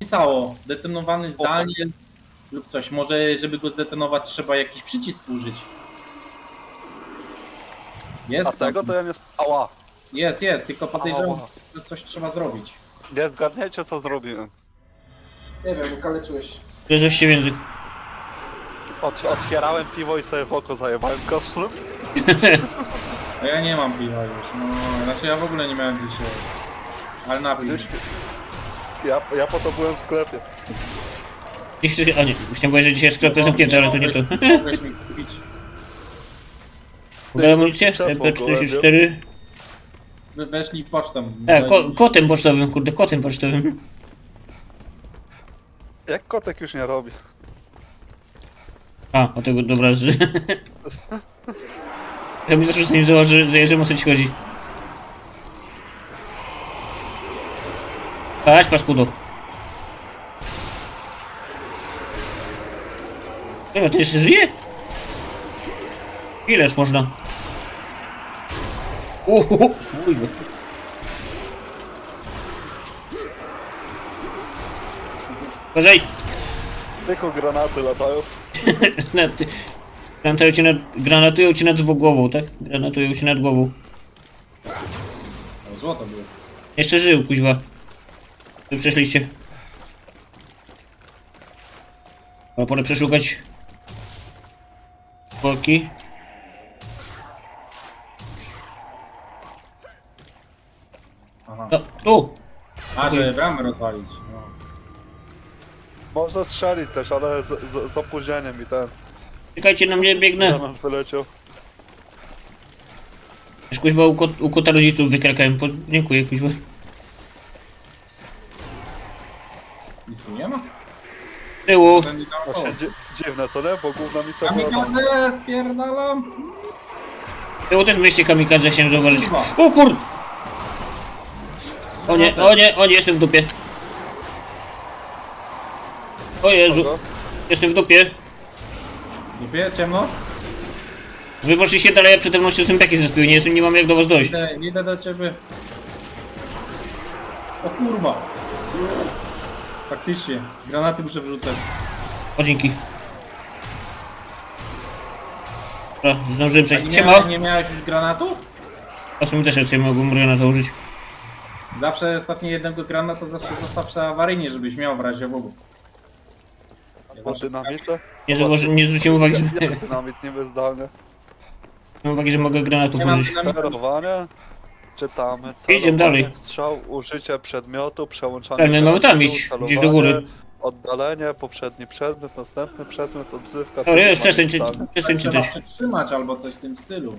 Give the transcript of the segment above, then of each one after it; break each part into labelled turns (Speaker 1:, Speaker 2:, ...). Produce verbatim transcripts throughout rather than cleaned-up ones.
Speaker 1: pisało, detonowany zdalnie lub coś. Może żeby go zdetonować trzeba jakiś przycisk użyć. Jest
Speaker 2: A tego to ja nie... Ała!
Speaker 1: Jest, jest, tylko podejrzewam,
Speaker 2: Ała.
Speaker 1: że coś trzeba zrobić.
Speaker 2: Nie zgadniecie co zrobiłem.
Speaker 1: Nie wiem, ukaleczyłeś.
Speaker 3: To jest właściwie język.
Speaker 2: Ot otwierałem piwo i sobie w oko zajebałem kostlem.
Speaker 1: A ja nie mam piwa już, no, znaczy ja w ogóle nie miałem dzisiaj. Ale napij.
Speaker 2: Gdzieś... Ja, ja po to byłem w sklepie.
Speaker 3: Dziś, a nie, chciałem powiedzieć, że dzisiaj sklepy zamknięte, ale to nie to.
Speaker 1: Mogłeś mi kupić.
Speaker 3: Udało amunicję?
Speaker 2: Krzesło
Speaker 3: M P czterdzieści cztery.
Speaker 1: Wy weszli pocztą.
Speaker 3: E, ko kotem pocztowym, kurde, kotem pocztowym.
Speaker 2: Jak kotek już nie robi.
Speaker 3: A, o tego, dobra. Z... Ja mi zawsze z nim założy, zajeżdżam, o co ci chodzi. Chodź, paskudo. Dobra, ty jeszcze żyje? Ileż można? Uhu, ujby. Uważaj!
Speaker 2: Tylko granaty latają.
Speaker 3: Granaty. Granatują cię nad, granatują cię nad głową, tak? Granatują cię nad głową.
Speaker 1: O, złoto było.
Speaker 3: Jeszcze żył, kuźwa. Tu przeszliście. Ale pora przeszukać boki.
Speaker 1: Aha.
Speaker 3: No, tu!
Speaker 1: A, żeby bramę rozwalić. No.
Speaker 2: Można strzelić też, ale z, z, z opóźnieniem i ten.
Speaker 3: Czekajcie na mnie, biegnę.
Speaker 2: Granat wyleciał.
Speaker 3: Już kuźwa u, kot, u kota rodziców wykrakałem. Po, dziękuję, kuźwa.
Speaker 1: Nic tu nie ma?
Speaker 3: Tyłu.
Speaker 1: Ten nie dał
Speaker 2: Właśnie dzi dziwne co nie? Bo główna misja była tam.
Speaker 1: Kamikadze, spierdalam.
Speaker 3: Tyłu też byliście kamikadze, chciałem zauważyć.
Speaker 1: Kurwa.
Speaker 3: O kur... O nie, o nie, o nie, jestem w dupie. O Jezu,
Speaker 2: Kogo?
Speaker 3: jestem w dupie.
Speaker 1: Dupie, ciemno?
Speaker 3: Wy poszliście dalej, a przede mną się zębiaki zrespiły, nie, nie mam jak do was dojść.
Speaker 1: Idę, idę do ciebie. O kurwa. Faktycznie, granaty muszę wrzucać.
Speaker 3: O, dzięki. Dobra, zdążyłem
Speaker 1: A
Speaker 3: przejść.
Speaker 1: nie,
Speaker 3: Siema!
Speaker 1: miałeś, nie miałeś już granatu?
Speaker 3: A w sumie też rację, mogłem na to użyć.
Speaker 1: Zawsze ostatni jednego granata zawsze zostaw awaryjnie, żebyś miał w razie w Nie
Speaker 2: Bo
Speaker 1: zawsze-
Speaker 2: dynamita?
Speaker 3: Nie, zauważy, nie zwróciłem uwagi, że...
Speaker 2: Ja, ja dynamit nie bezdalny.
Speaker 3: Mam uwagi, że mogę granatów
Speaker 1: Nie mam
Speaker 3: użyć.
Speaker 1: dynamitu.
Speaker 2: Sterowanie. Czytamy.
Speaker 3: Idziemy
Speaker 2: celowanie,
Speaker 3: dalej.
Speaker 2: Strzał, użycie przedmiotu, przełączanie.
Speaker 3: Tak, my mamy tam
Speaker 2: przedmiotu,
Speaker 3: iść,
Speaker 2: celowanie,
Speaker 3: gdzieś do góry.
Speaker 2: Oddalenie, poprzedni przedmiot, następny przedmiot, odzywka.
Speaker 3: Dobra, jest, przestań, czy,
Speaker 2: zdalny.
Speaker 3: przestań
Speaker 1: Trzeba
Speaker 3: czytać.
Speaker 1: przytrzymać albo coś w tym stylu.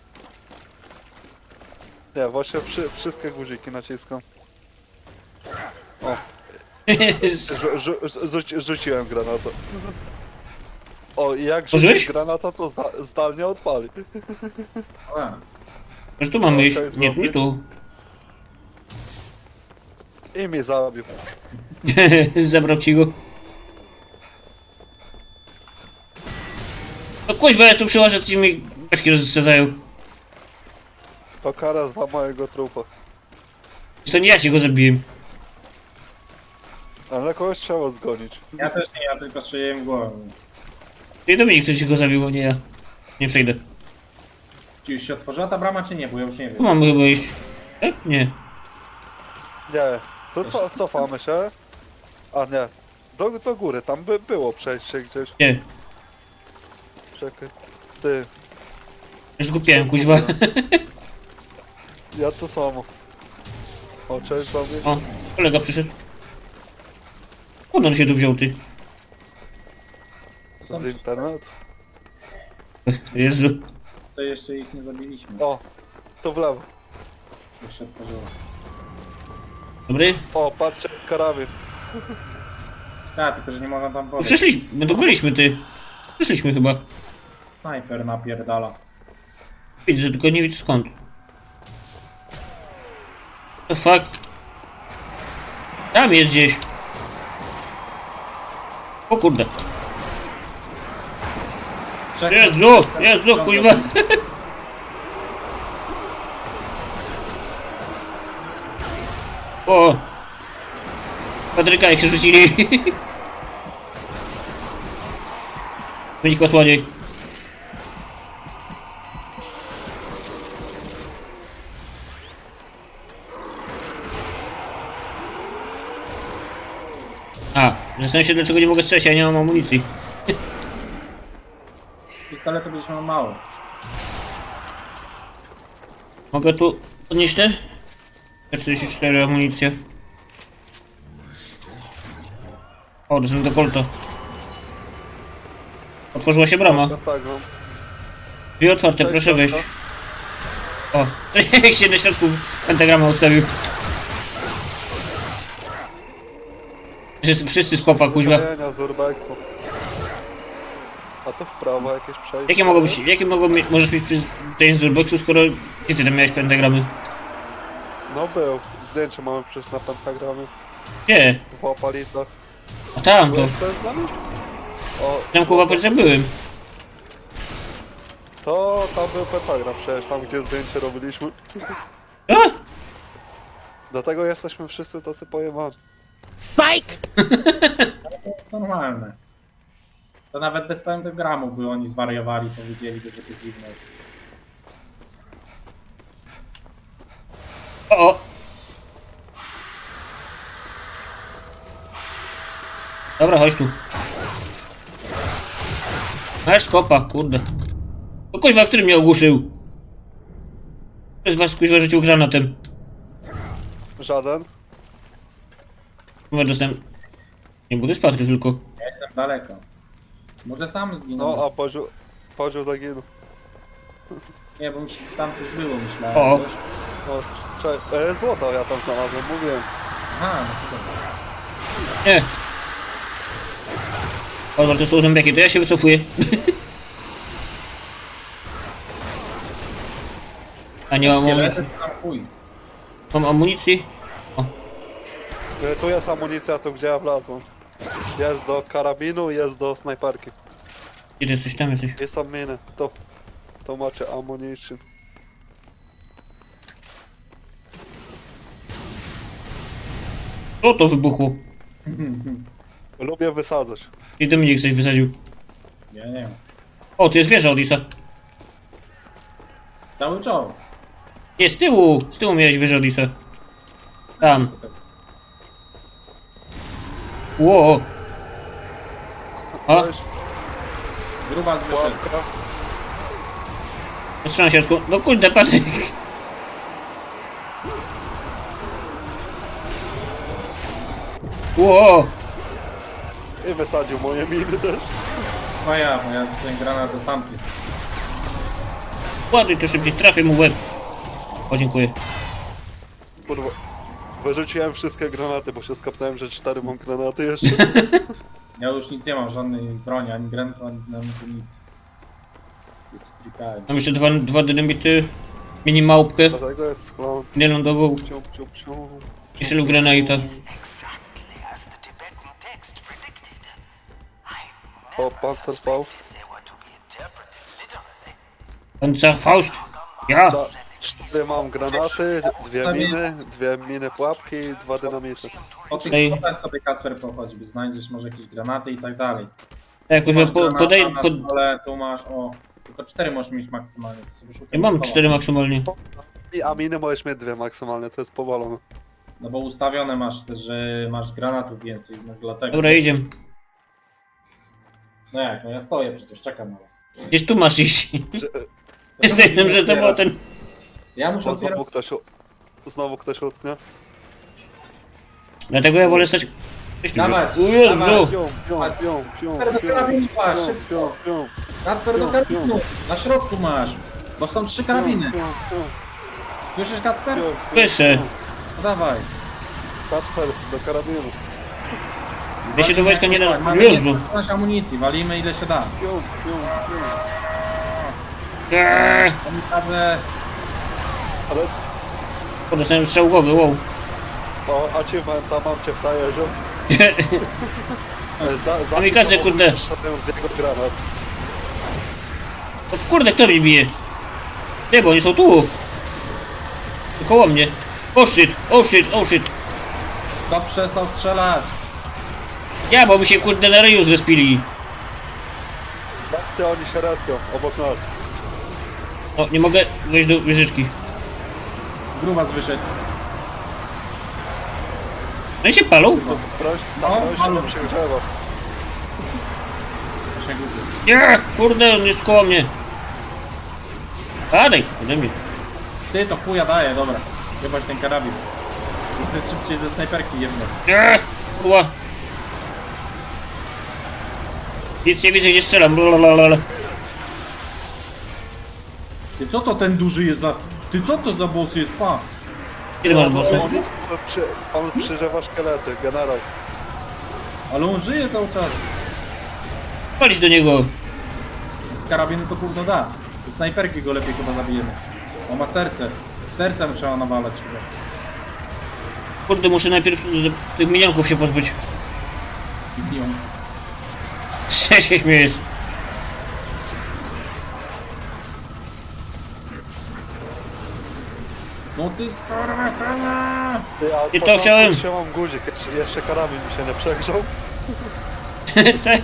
Speaker 2: Nie, właśnie wszy, wszystkie guziki naciskam. O, rzu, rzu, rzuci, rzuciłem granatę. O, i jak
Speaker 3: Użyłeś?
Speaker 2: rzucić granata, to zda, zdalnie odpali.
Speaker 1: A,
Speaker 3: Może tu mamy iść?
Speaker 2: Okej,
Speaker 3: Nie, nie
Speaker 2: zrobię.
Speaker 3: tu.
Speaker 2: I mnie zabił.
Speaker 3: Zabrał ci go. No kuźwa, ja tu przyłażę, ci mi beczki rozsadzają.
Speaker 2: To kara za mojego trupa.
Speaker 3: To nie ja ci go zabiłem.
Speaker 2: Ale kogoś trzeba zgonić.
Speaker 1: ja też nie, ja tylko strzeliłem w głowę.
Speaker 3: Ty Dominik, kto ci go zabił, a nie ja. Nie przejdę.
Speaker 1: Czy już się otworzyła ta brama, czy nie? Bo ja już nie
Speaker 3: Tu
Speaker 1: wiem.
Speaker 3: mamy chyba iść. Tak? Nie.
Speaker 2: Nie, to co, cofamy się. A nie, do, do góry, tam by było przejście gdzieś.
Speaker 3: Nie.
Speaker 2: Czekaj. Ty,
Speaker 3: Już zgupiłem, kuźwa.
Speaker 2: ja to samo. O, cześć sobie.
Speaker 3: O, kolega przyszedł. Skąd on się tu wziął, ty?
Speaker 1: Co,
Speaker 2: Z internetu.
Speaker 3: Jezu.
Speaker 1: co jeszcze ich nie zabiliśmy?
Speaker 2: O, to w lewo.
Speaker 1: Już się otworzyło.
Speaker 3: Dobry?
Speaker 2: O, patrzcie, karabin.
Speaker 1: Tak, tylko że nie mogą tam
Speaker 3: No
Speaker 1: podejść.
Speaker 3: przeszliśmy, my tu byliśmy, ty. Przeszliśmy chyba.
Speaker 1: Snajper napierdala.
Speaker 3: Widzę, tylko nie widzę skąd. The fuck? Tam jest gdzieś. O kurde.
Speaker 1: Czekaj,
Speaker 3: Jezu, Jezu, kuźwa. O, Patryka jak się rzucili. Wynik osłaniaj. A, zastanawiam się dlaczego nie mogę strzelać, ja nie mam amunicji.
Speaker 1: Pistoletu byś miał mało.
Speaker 3: Mogę tu podnieść te? czterdzieści cztery amunicje. O, to są do kolto. Otworzyła się brama.
Speaker 2: No tak, no.
Speaker 3: Drzwi otwarte,
Speaker 2: Cześć,
Speaker 3: proszę wejść.
Speaker 2: Dorka.
Speaker 3: O, jak się na środku pentagrama ustawił. Wszyscy, wszyscy z kopa, kuźwa.
Speaker 2: Ustawienia z urbexu. A to w prawo jakieś przejście.
Speaker 3: Jakie mogą być, jakie mogą mieć, możesz mieć przyzwyczajenie z urbexu, skoro gdzie ty tam miałeś pentagramy?
Speaker 2: No był. Zdjęcie mamy przecież na pentagramie.
Speaker 3: Gdzie?
Speaker 2: W Opalicach.
Speaker 3: A tam to.
Speaker 2: Byłeś też z nami? O,
Speaker 3: Tam kurwa policjant byłem.
Speaker 2: to tam był pentagram przecież, tam gdzie zdjęcie robiliśmy.
Speaker 3: A?
Speaker 2: Dlatego jesteśmy wszyscy tacy pojemani.
Speaker 1: To jest normalne. To nawet bez pentagramu by oni zwariowali, powiedzieliby, że to dziwne.
Speaker 3: O, o. Dobra, chodź tu. Masz skopa, kurde. O kuźwa, który mnie ogłuszył? Kto z was kuźwa rzucił granatem?
Speaker 2: Żaden?
Speaker 3: Chyba dostałem... Nie, bo to jest Patryk tylko.
Speaker 1: Ja jestem daleko. Może sam zginął.
Speaker 2: No, a poziom, poziom zaginął.
Speaker 1: Nie, bo mi się tam coś było, myślałem.
Speaker 3: O.
Speaker 1: Wiesz?
Speaker 2: No, cześć. E, złota ja tam znalazłem, mówiłem.
Speaker 1: Aha, no to dobra.
Speaker 3: Nie. O, to są zombiaki, to ja się wycofuję. A nie mam
Speaker 1: Nie
Speaker 3: amunicji.
Speaker 1: lecę tam chuj.
Speaker 3: Mam amunicji?
Speaker 2: E, tu jest amunicja, tu gdzie ja wlazłem. Jest do karabinu, jest do snajperki.
Speaker 3: Gdzie ty jesteś? Tam jesteś.
Speaker 2: I są miny. To, to macie ammunition.
Speaker 3: O, to wybuchło.
Speaker 2: Lubię wysadzać.
Speaker 3: I Dominik coś wysadził.
Speaker 1: Ja nie wiem.
Speaker 3: O, tu jest wieża Odisa.
Speaker 1: Cały czoł.
Speaker 3: Nie, z tyłu! Z tyłu miałeś wieżę Odisa. Tam. Ło! A,
Speaker 2: Cześć,
Speaker 1: Gruba z wyszedł.
Speaker 2: łapka.
Speaker 3: postrzelam się, no kurde, Patryk. Ło!
Speaker 2: I wysadził moje miny też.
Speaker 1: Moja, moja ten granat do tamtych.
Speaker 3: Ładuj to szybciej, trafię mu w łeb. O, dziękuję.
Speaker 2: Kurwa. Wyrzuciłem wszystkie granaty, bo się skapnąłem, że cztery mam granaty jeszcze.
Speaker 1: Ja już nic nie mam, żadnej broni, ani granatu, ani ani nic. Strikałem.
Speaker 3: Mam jeszcze dwa, dwa dynamity, mini małpkę,
Speaker 2: Dlatego jest sklon.
Speaker 3: nielądową,
Speaker 2: Psiu, psiu, psiu.
Speaker 3: jeszcze lub granata.
Speaker 2: O, Panzerfaust.
Speaker 3: Panzerfaust. Ja!
Speaker 2: Da, cztery mam granaty, dwie miny, dwie miny pułapki i dwa dynamity.
Speaker 1: Po tych
Speaker 3: Ej.
Speaker 1: schodach sobie Kacper pochodzi, by znajdziesz może jakieś granaty i tak dalej.
Speaker 3: Tak,
Speaker 1: Tu
Speaker 3: już
Speaker 1: masz
Speaker 3: po,
Speaker 1: granata
Speaker 3: podaj,
Speaker 1: na
Speaker 3: pod...
Speaker 1: stole, tu masz, o, tylko cztery możesz mieć maksymalnie, to sobie szukaj.
Speaker 3: Ja mam
Speaker 1: ustawa.
Speaker 3: cztery maksymalnie.
Speaker 2: I a miny możesz mieć dwie maksymalnie, to jest powalone.
Speaker 1: No bo ustawione masz też, że masz granatów więcej, no dlatego.
Speaker 3: Dobra, idziemy.
Speaker 1: No jak, no ja stoję przecież, czekam na was.
Speaker 3: Gdzieś tu masz iść.
Speaker 2: Że,
Speaker 3: Jestem, że to było ten...
Speaker 1: Ja muszę
Speaker 2: bo znowu
Speaker 1: otwierać.
Speaker 2: ktoś, u- znowu ktoś utknie.
Speaker 3: Dlatego ja wolę stać... Gdzieś tu
Speaker 1: Dawać,
Speaker 3: jest. O Jezu!
Speaker 1: dawać.
Speaker 2: Pią, pią, pią, pią,
Speaker 1: Kacper do
Speaker 2: pią,
Speaker 1: karabinu masz,
Speaker 2: pią,
Speaker 1: szybko.
Speaker 2: pią, pią,
Speaker 1: Kacper do
Speaker 2: Pią,
Speaker 1: karabinu, na środku masz. Bo są trzy karabiny.
Speaker 2: pią, pią,
Speaker 1: Słyszysz Kacper?
Speaker 2: pią, pią,
Speaker 3: Słyszę.
Speaker 2: pią.
Speaker 1: No dawaj.
Speaker 2: Kacper, do karabinu.
Speaker 3: Ja się do wojska nie da...
Speaker 1: Mamy
Speaker 3: Jezu!
Speaker 1: nieskończoność amunicji, walimy ile się da.
Speaker 2: Pią, pią, pią.
Speaker 3: Eee!
Speaker 1: Kamikadze,
Speaker 2: Ale,
Speaker 3: O, dostałem strzał głowy, wow.
Speaker 2: o, achievementa mam cię w tajerzu. Za, za
Speaker 3: Kamikadze, kurde.
Speaker 2: Szedłem z jego granat.
Speaker 3: O kurde, kto mnie bije? Nie, bo oni są tu. Koło mnie. Oh shit, oh shit, oh shit.
Speaker 1: Kto przestał strzelać?
Speaker 3: Ja, bo mi się kurde na ryju zrespili.
Speaker 2: Jak ty oni się respią obok nas?
Speaker 3: O, nie mogę wejść do wieżyczki.
Speaker 1: Grubas wyszedł.
Speaker 3: No i się palą?
Speaker 2: Proś,
Speaker 1: No,
Speaker 2: tam
Speaker 1: halo.
Speaker 2: no, się grzewa.
Speaker 1: Właśnie głupie.
Speaker 3: Nie, kurde, on jest koło mnie. Padaj, ode mnie.
Speaker 1: Ty to chuja daje, dobra. Jebać ten karabin. Ty szybciej ze snajperki jedno.
Speaker 3: Nie, kurwa. Nic nie widzę, gdzie strzelam. Blablabla.
Speaker 1: Ty co to ten duży jest za... Ty co to za boss jest, pa?
Speaker 3: Kiedy masz bossy?
Speaker 2: On, przy, on przygrzewa szkielety, generał.
Speaker 1: Ale on żyje cały czas.
Speaker 3: Palić do niego.
Speaker 1: Z karabinu to kurno da. Z snajperki go lepiej chyba zabijemy. On ma serce. Sercem trzeba nawalać chyba.
Speaker 3: Kurde, muszę najpierw tych minionków się pozbyć.
Speaker 1: I biją.
Speaker 3: Co się śmiejesz?
Speaker 1: No ty kurwa sama!
Speaker 2: Ty, a od
Speaker 3: I to
Speaker 2: początku
Speaker 3: chciałem.
Speaker 2: trzymam guzik, jeszcze, jeszcze karabin mi się nie przegrzał.
Speaker 3: Tak.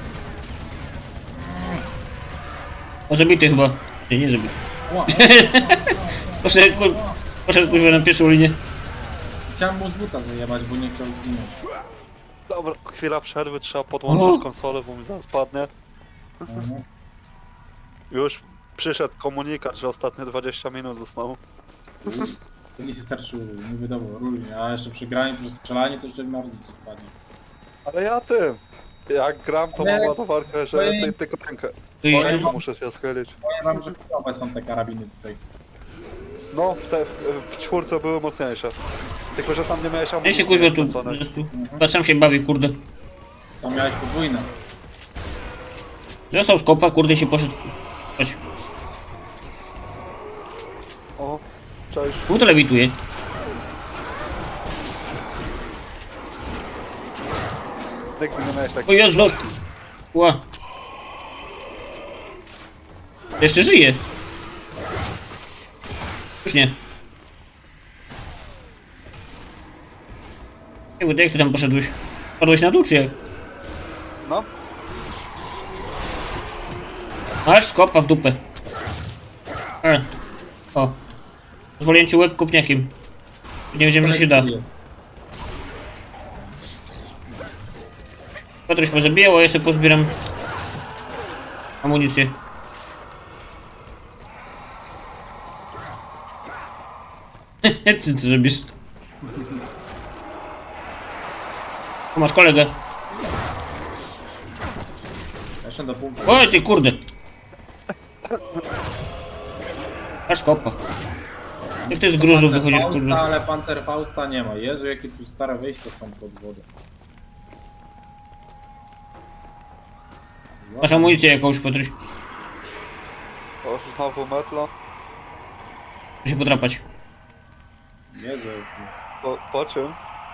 Speaker 3: O, zabity chyba. Nie, nie zabity.
Speaker 1: Ła,
Speaker 3: Poszedł, kur... Poszedł kurwa na pierwszą linię.
Speaker 1: chciałem mu z buta zajebać, bo nie chciał zginąć.
Speaker 2: Dobra, chwila przerwy, trzeba podłączyć
Speaker 3: O.
Speaker 2: konsolę, bo mi zaraz padnie.
Speaker 1: Mhm.
Speaker 2: Już przyszedł komunikat, że ostatnie dwadzieścia minut zostało.
Speaker 1: To nie się starczyło, nie wiadomo, różnie. A jeszcze przy graniu, przy strzelaniu to jeszcze mordy ci spadnie.
Speaker 2: Ale ja tym, jak gram, to
Speaker 1: Nie,
Speaker 2: mam ładowarkę, że
Speaker 1: to
Speaker 2: ty,
Speaker 1: jest-
Speaker 2: tylko rękę.
Speaker 3: To iść
Speaker 1: Powiem
Speaker 3: tu?
Speaker 1: wam-
Speaker 2: Muszę się schylić.
Speaker 1: Powiem wam, że chujowe są te karabiny tutaj.
Speaker 2: No, w, te, w, w czwórce były mocniejsze. Tylko, że tam nie miałeś
Speaker 3: Ja
Speaker 2: amunicji
Speaker 3: się kuźwa tu.
Speaker 2: wkręconej.
Speaker 3: tu. Chyba sam się bawi, kurde.
Speaker 1: Tam miałeś podwójne.
Speaker 3: Został z kopa, kurde się poszedł. Chodź.
Speaker 2: O, cześć.
Speaker 3: Tu to lewituje.
Speaker 2: Nigdy nie miałeś tak.
Speaker 3: O Jezu! Ła. Jeszcze żyje. Już nie. Jak, jak ty tam poszedłeś? Padłeś na dół czy jak?
Speaker 2: No,
Speaker 3: Masz skopa w dupę. E. O. Pozwoliłem ci łeb kopniakiem. Nie wiedziałem, że się da. Patryś pozabijał, a ja sobie pozbieram amunicję. Ty co robisz? Tu masz kolegę.
Speaker 1: Jeszcze do punktu.
Speaker 3: Oj ty kurde. Masz kopa. Jak ty z gruzów wychodzisz,
Speaker 1: Pancerfausta,
Speaker 3: kurde.
Speaker 1: ale Pancerfausta nie ma. Jezu, jakie tu stare wyjścia są pod wodą.
Speaker 3: Masz amunicję jakąś, Patryś.
Speaker 2: o, znowu metla.
Speaker 3: Muszę się podrapać.
Speaker 1: Jezu,
Speaker 2: Po, po czym?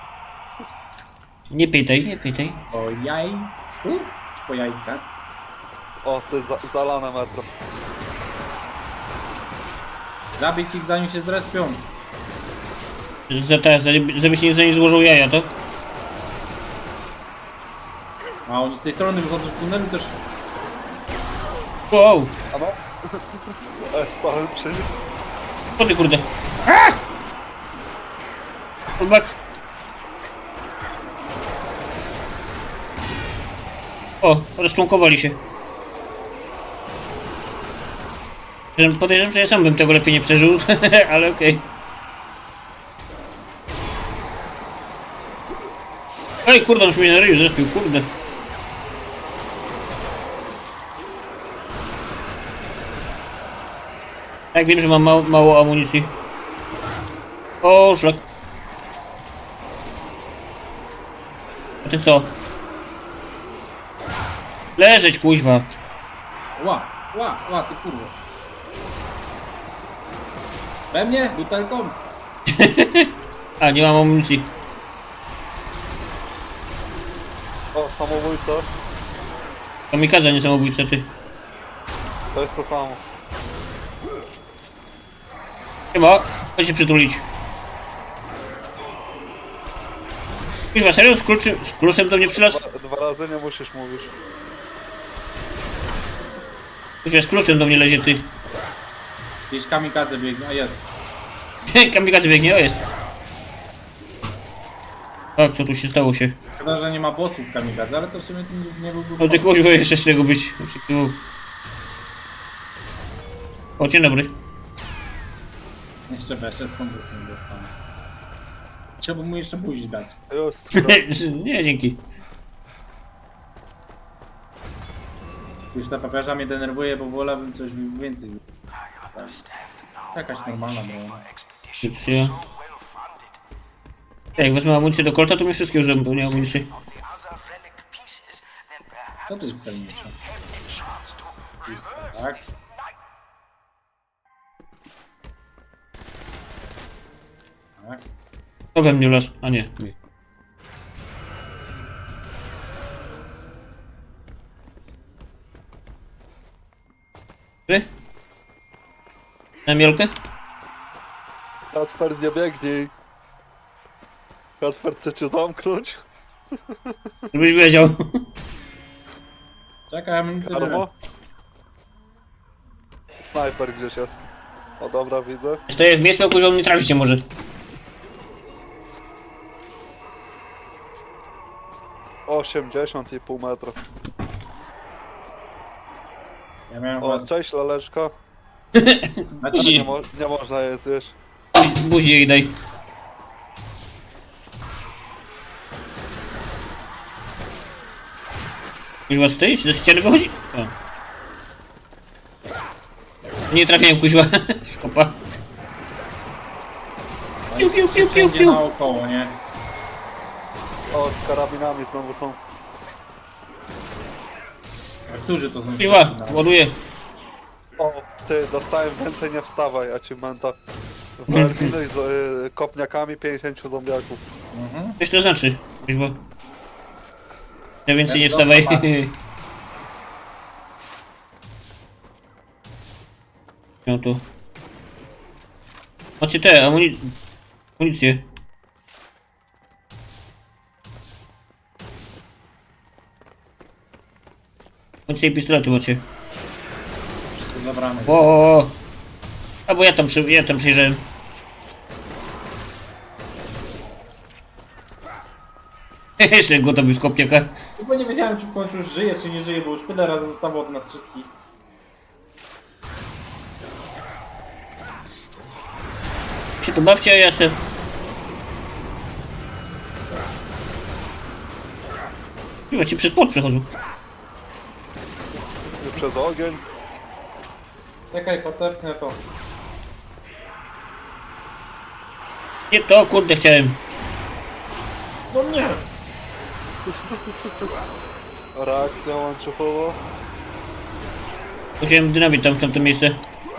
Speaker 3: Nie pytaj, nie pytaj.
Speaker 1: po jaj... U? Po jajkach?
Speaker 2: O, ty za, zalane metro.
Speaker 1: Zabić ich zanim się zrespią.
Speaker 3: Za te, za, żebyś nie za nie złożył jaja, to?
Speaker 1: A oni z tej strony wychodzą z tunelu też.
Speaker 3: Wow!
Speaker 2: A no? E, stałem przy nim.
Speaker 3: O ty kurde. Aaa! Fullback. O, rozczłonkowali się. Że- Podejrzewam, że ja sam bym tego lepiej nie przeżył, ale okej. Ej, kurde, on już mnie na ryju zespił, kurde. Tak, wiem, że mam mało, mało amunicji. O, szlak. A ty co? Leżeć, kuźwa.
Speaker 1: Ła, ła, ła, ty kurwa. We mnie? Butelką?
Speaker 3: A, nie mam amunicji.
Speaker 2: O, samobójca.
Speaker 3: Kamikadze, nie samobójca, ty.
Speaker 2: To jest to samo.
Speaker 3: Chyba, chodź się przytulić. Kuźwa, serio? Z kluczem, z kluczem do mnie przylazł?
Speaker 2: Dwa, dwa razy nie musisz mówić.
Speaker 3: Kuźwa, z kluczem do mnie lezie, ty.
Speaker 1: Gdzieś kamikadze biegnie, a jest.
Speaker 3: Kamikaze biegnie, o jest. Tak, co tu się stało się?
Speaker 1: Szkoda, że nie ma bossów kamikadze, ale to w sumie tym już nie byłby
Speaker 3: No ty
Speaker 1: pomysł.
Speaker 3: kuźwa, jeszcze z tego być. Oczekiwał. O, dzień dobry.
Speaker 1: Jeszcze weszedł, komputer nie dostanę. Trzeba mu jeszcze buzi dać.
Speaker 2: Już, skoro...
Speaker 3: Nie, dzięki.
Speaker 1: Już ta papieża mnie denerwuje, bo wolałbym coś więcej. Tak. Jakaś normalna broń.
Speaker 3: Amunicja. Jak wezmę amunicję do kolta, to mi wszystkie użyłem, bo nie amunicji.
Speaker 1: Co tu jest celniejsze? Jest, tak? Tak.
Speaker 3: To we mnie las. A nie. nie. Ty? Na mielkę?
Speaker 2: Kacper, nie biegnij. Kacper, chce cię zamknąć?
Speaker 3: Żebyś wiedział.
Speaker 1: Czekaj, amunicję biorę.
Speaker 2: Karmo? Snajper gdzieś jest. O dobra, widzę.
Speaker 3: Stoję w miejscu, o którym nie traficie może.
Speaker 2: osiemdziesiąt i pół metra.
Speaker 1: Ja miałem
Speaker 2: O,
Speaker 1: was...
Speaker 2: cześć laleczka.
Speaker 1: Znaczy,
Speaker 2: Nie, mo nie można je zjeść.
Speaker 3: Buzi jej daj. Już was stoi? Czy do ściany wychodzi? O. Nie trafiłem kuźwa. Skopa. Piu, piu, piu, piu,
Speaker 1: wszędzie
Speaker 3: piu.
Speaker 1: naokoło, nie?
Speaker 2: O, z karabinami znowu są.
Speaker 1: A którzy to są?
Speaker 3: Piła, ładuję.
Speaker 2: O, ty, dostałem więcej, nie wstawaj, achievement'a. Wyeliminuj z y, kopniakami pięćdziesięciu zombiaków.
Speaker 1: Mhm.
Speaker 3: Coś to znaczy, kuźwa. Ja więcej nie
Speaker 1: Jak
Speaker 3: wstawaj.
Speaker 1: dobrze
Speaker 3: No to. Macie te amuni... amunicje. Amunicje i pistolety macie.
Speaker 1: Wszystko zabrane.
Speaker 3: O, o, o. A bo ja tam, przy... ja tam przyjrzałem. Jeszcze go tam z kopniaka.
Speaker 1: Bo nie wiedziałem, czy w końcu już żyje, czy nie żyje, bo już tyle razy zostało od nas wszystkich.
Speaker 3: Się tu bawcie, a ja se... Chyba ci przez płot przechodzą.
Speaker 2: I przez ogień.
Speaker 1: Czekaj, potepnę to.
Speaker 3: Nie to, kurde, chciałem.
Speaker 1: No nie!
Speaker 2: Reakcja łańcuchowa.
Speaker 3: Wziąłem dynamit tam w tamto miejsce.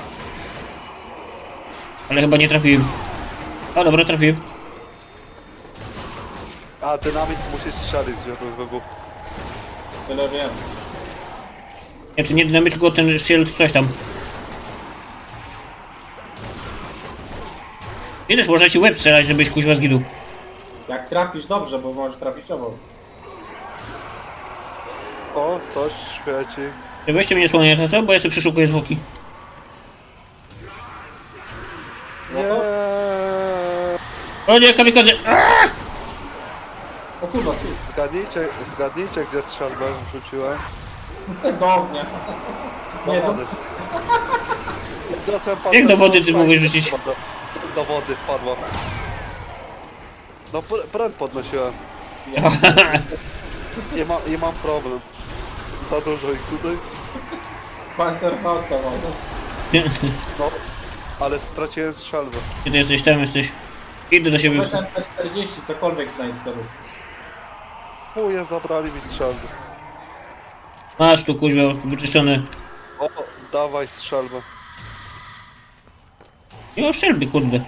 Speaker 3: Ale chyba nie trafiłem. O, dobra, trafiłem.
Speaker 2: A, dynamit musisz strzelić, żeby wybuchł.
Speaker 1: Tyle wiem.
Speaker 3: Znaczy nie dynamit, tylko ten shield, coś tam. Wiesz, można ci łeb strzelać, żebyś kuźwa zginął.
Speaker 1: Jak trafisz dobrze, bo możesz trafić obok.
Speaker 2: O, coś świeci.
Speaker 3: Weźcie mnie słonię, to co? Bo ja sobie przeszukuję zwłoki.
Speaker 2: Nie.
Speaker 3: O nie, kamikadze! Aaaa!
Speaker 1: O kurwa, ty.
Speaker 2: Zgadnijcie, zgadnijcie, gdzie strzelbę wrzuciłem.
Speaker 1: Do ognia.
Speaker 2: Do
Speaker 1: Nie, do...
Speaker 2: wody. Niosłem
Speaker 3: Jak do wody ty
Speaker 2: patrzę,
Speaker 3: mogłeś rzucić?
Speaker 2: Do, do wody wpadła. No, pr pręd podnosiłem. I, ma, I mam problem. Za dużo ich tutaj.
Speaker 1: Panzerfausta może.
Speaker 2: No, ale straciłem strzelbę.
Speaker 3: Gdzie ty jesteś? Tam jesteś. Idę do siebie.
Speaker 1: Weź M P czterdzieści, cokolwiek znajdź sobie.
Speaker 2: Chuje, zabrali mi strzelbę.
Speaker 3: Masz tu kuźwa, wyczyszczone.
Speaker 2: O, dawaj strzelbę.
Speaker 3: Nie ma strzelby, kurde.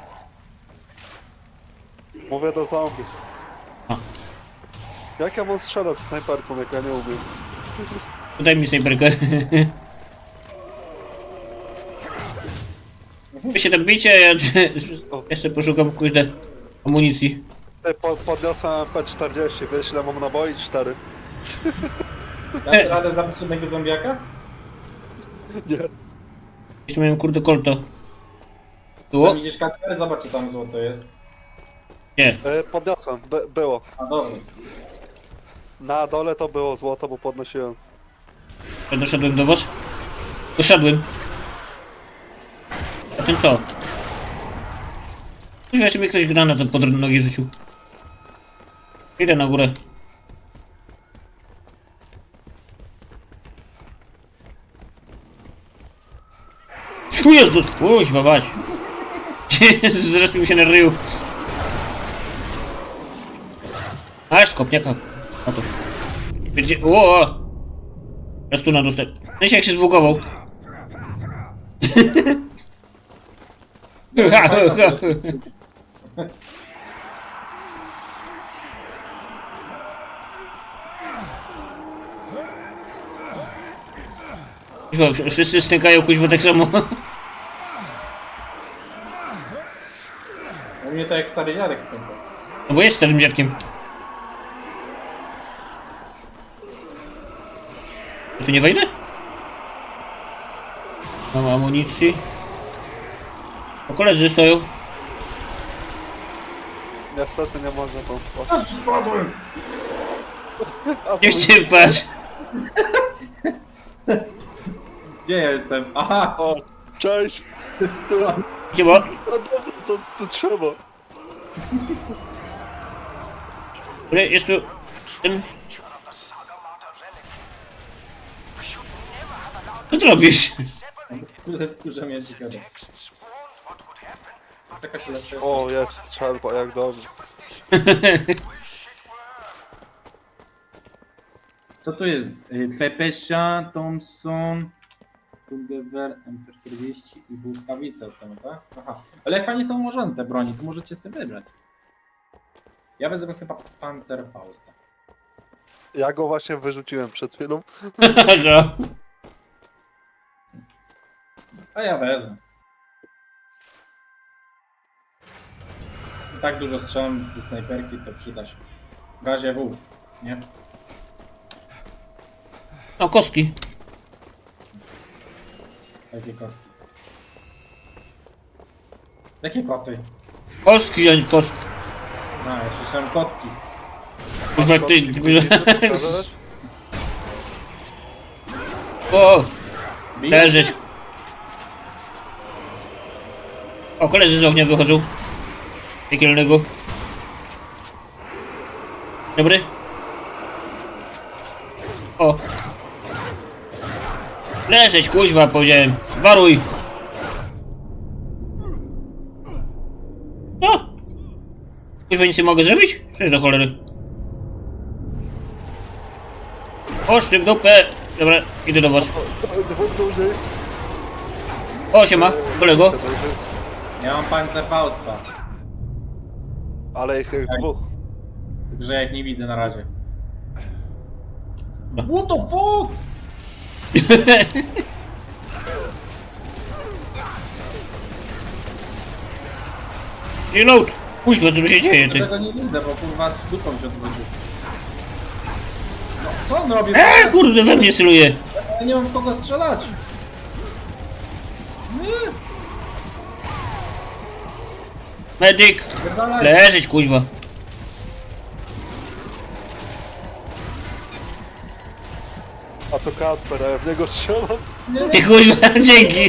Speaker 2: Mówię do zombie.
Speaker 3: A.
Speaker 2: Jak ja mam strzelać z snajperką, jak ja nie umiem?
Speaker 3: Daj mi snajperkę. Wy się tam bicie, a ja, ja sobie poszukam kuźne amunicji.
Speaker 2: Ty, po, podniosłem P czterdzieści, wiesz ile mam naboi? cztery.
Speaker 1: Dasz radę zabić jednego zombiaka?
Speaker 2: Nie.
Speaker 3: Jeszcze miałem kurde kolto. Było?
Speaker 1: Tam idziesz Kacper, zobacz czy tam złoto jest.
Speaker 3: Nie.
Speaker 2: E, podniosłem, By, było.
Speaker 1: A dobra.
Speaker 2: Na dole to było złoto, bo podnosiłem.
Speaker 3: Ja doszedłem do was? Doszedłem. A ten co? Kuźwa, jeszcze mi ktoś granat pod nogi rzucił. Idę na górę. O Jezus, kuźwa, bać. Zresztą mi się na ryju. Aż skopniaka. A to. Gdzie? O! Ja stuna dostałem. No się jak się zbugował. Ha, ha, ha. Kuźwa, wszyscy stękają kuźwa tak samo.
Speaker 1: U mnie to jak stary dziadek stąd.
Speaker 3: No bo jest starym dziadkiem. Ja tu nie wejdę? Mam amunicji. O, koledzy stoją.
Speaker 2: Niestety nie można tam spać.
Speaker 3: Nie się patrz.
Speaker 1: Gdzie ja jestem? Aha!
Speaker 2: O, cześć!
Speaker 3: Gdzie bo?
Speaker 2: No dobra, to, to trzeba.
Speaker 3: Kurde, jest tu... Ten... Co ty robisz?
Speaker 1: Kurde, wkurza mnie ciekawe. Jest jakaś lepsza.
Speaker 2: O, jest strzelba, jak dobrze.
Speaker 1: Co to jest? Y, Pepesia, Thompson, Kulgeber, M P czterdzieści i błyskawice od tego, tak? Aha. Ale jak fajnie są ułożone te broni, to możecie sobie wybrać. Ja wezmę chyba Panzerfausta.
Speaker 2: Ja go właśnie wyrzuciłem przed chwilą.
Speaker 3: No.
Speaker 1: A ja wezmę. I tak dużo strzelam ze snajperki, to przyda się. W razie W, nie?
Speaker 3: O, kostki.
Speaker 1: Jakie kotki? Jakie koty?
Speaker 3: Kostki, a nie kostki.
Speaker 1: No, ja słyszałem kotki.
Speaker 3: Kurwa, ty...
Speaker 2: Pokażesz?
Speaker 3: O,
Speaker 1: Bijecie?
Speaker 3: leżysz. O, koledzy z ognia wychodzą. Piekielnego. Dobry. O. Leżeć, kuźwa, powiedziałem. Waruj. No. Kuźwa, nic nie mogę zrobić? Co jest do cholery? Oszty w dupę. Dobra, idę do was.
Speaker 2: Dwóch dłużej.
Speaker 3: O, siema, kolego.
Speaker 1: Ja mam Panzerfausta.
Speaker 2: Ale jest ich dwóch.
Speaker 1: Także ja ich nie widzę na razie. What the fuck?
Speaker 3: Reload! Kuźwa, co tu się dzieje,
Speaker 1: Ja
Speaker 3: ty?
Speaker 1: tego nie widzę, bo kurwa dupą się odwrócił. No, co on robi?
Speaker 3: Eee, kurde, we mnie celuje.
Speaker 1: Ja nie mam w kogo strzelać. Nie,
Speaker 3: Medyk!
Speaker 1: pierdalaj.
Speaker 3: Leżeć, kuźwa.
Speaker 2: A to Kacper, a ja w niego strzelam.
Speaker 1: Nie, nie.
Speaker 3: Ty kuźwa, dzięki.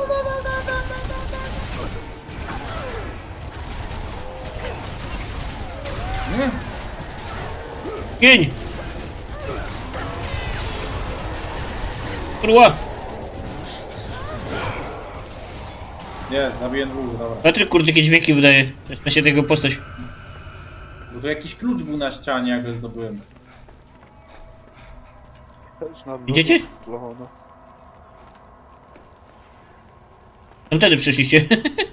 Speaker 1: Nie.
Speaker 3: Gień! Kurwa!
Speaker 1: Jest, zabiję dwóch, dobra.
Speaker 3: Patryk, kurde, jakie dźwięki wydaje. Zaczyna się tego postać.
Speaker 1: Bo tu jakiś klucz był na ścianie, jak go zdobyłem.
Speaker 2: Też na mnie
Speaker 3: Idziecie?
Speaker 2: strzelano.
Speaker 3: Tam wtedy przyszliście.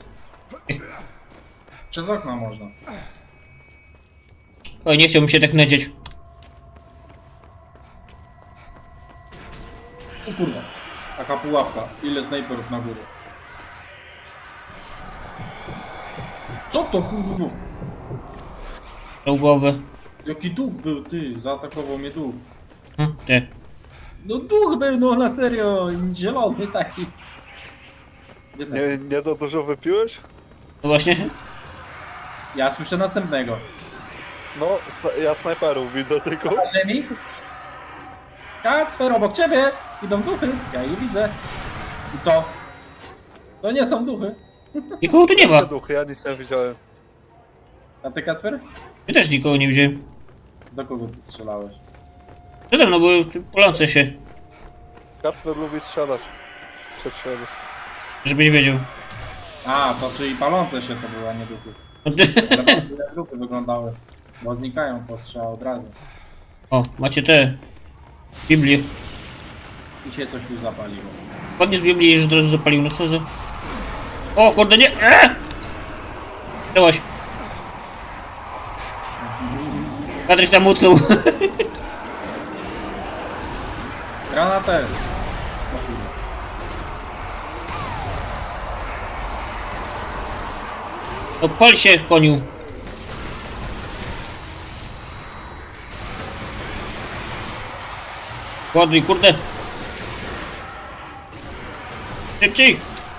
Speaker 1: Przez okno można.
Speaker 3: Oj, nie chciałbym się tak nadzieć.
Speaker 1: O kurwa. Taka pułapka. Ile snajperów na górze. Co to kurwa?
Speaker 3: Do głowy.
Speaker 1: Jaki duch był, ty? Zaatakował mnie duch.
Speaker 3: Hm, ty.
Speaker 1: No duch był, no na serio, zielony taki. Gdzie ten?
Speaker 2: Nie, nie za dużo wypiłeś?
Speaker 3: No właśnie.
Speaker 1: Ja słyszę następnego.
Speaker 2: No, sna- ja snajperów widzę tylko.
Speaker 1: Na ziemi? Kacper, obok ciebie! Idą duchy, ja je widzę. I co? To nie są duchy.
Speaker 3: Nikogo tu nie ma.
Speaker 2: Te duchy, ja nic nie widziałem.
Speaker 1: A ty, Kacper?
Speaker 3: Ja też nikogo nie widziałem.
Speaker 1: Do kogo ty strzelałeś?
Speaker 3: Przede mną były palące się.
Speaker 2: Kacper lubi strzelać. Przed siebie.
Speaker 3: Żebyś wiedział.
Speaker 1: A, to czyli palące się to były, a nie duchy.
Speaker 3: No ty-
Speaker 1: Ale bardzo jak duchy wyglądały. Bo znikają po strzał od razu.
Speaker 3: O, macie te. Biblię.
Speaker 1: I się coś tu zapaliło.
Speaker 3: Podniósł Biblię i już od razu zapalił. No co za... O kurde, nie! Eee! Działaś. Patryk tam utknął.
Speaker 1: Granatę! No kurde.
Speaker 3: Odpal się, koniu. Ładuj, kurde. Szybciej.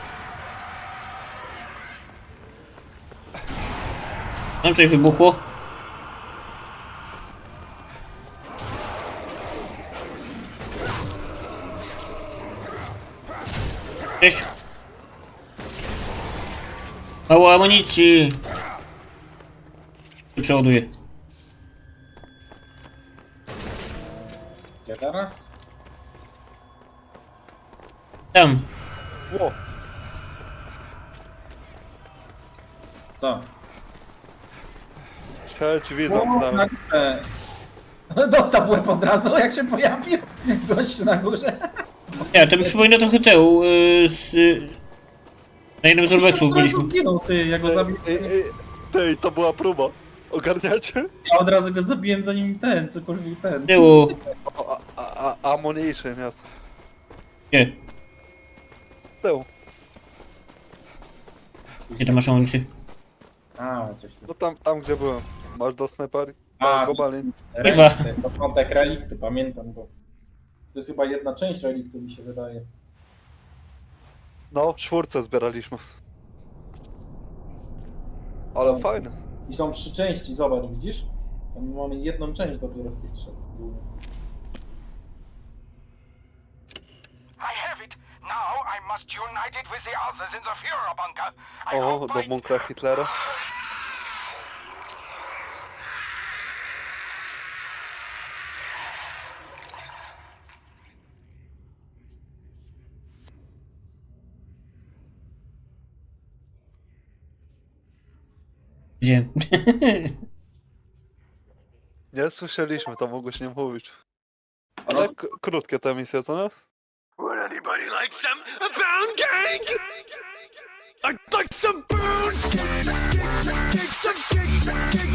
Speaker 3: Tam coś wybuchło. Cześć. Mało amunicji. Przeładuję.
Speaker 1: Gdzie teraz?
Speaker 3: Tam.
Speaker 2: Ło,
Speaker 1: Co?
Speaker 2: sieć widzę.
Speaker 1: O, na
Speaker 2: Tam.
Speaker 1: górze. Dostał łeb od razu, jak się pojawił. Gość na górze.
Speaker 3: Nie, to mi przypomina trochę tę. Yy, z, yy, na jednym z urbexów
Speaker 1: Od razu
Speaker 3: byliśmy.
Speaker 1: zginął, ty, ja go zabiłem.
Speaker 2: Ej, ej, Tej, to była próba. Ogarniacie?
Speaker 1: Ja od razu go zabiłem zanim ten, cokolwiek ten.
Speaker 3: Tyłu.
Speaker 2: O, a, a, a, ammunition jest.
Speaker 3: Gdzie?
Speaker 2: Tył.
Speaker 3: Gdzie ty masz amunicję?
Speaker 1: A, coś tu.
Speaker 2: No tam, tam gdzie byłem. Masz do snajpery?
Speaker 1: A,
Speaker 2: A, gobalin.
Speaker 1: Relikty, początek reliktu, pamiętam go. To jest chyba jedna część reliktu, mi się wydaje.
Speaker 2: No, czwórce zbieraliśmy. Ale fajne.
Speaker 1: I są trzy części, zobacz, widzisz? Tam mamy jedną część dopiero z tych trzech.
Speaker 4: I have it. Now I must unite it with the others in the Führer bunker. I
Speaker 2: O,
Speaker 4: hope
Speaker 2: do
Speaker 4: by-
Speaker 2: bunkra Hitlera.
Speaker 3: Gdzie?
Speaker 2: Nie słyszeliśmy, to mogłeś nie mówić. Ale k- krótkie te misje, co nie?
Speaker 4: Would anybody like some pound cake? I'd like some pound cake, some cake, some cake,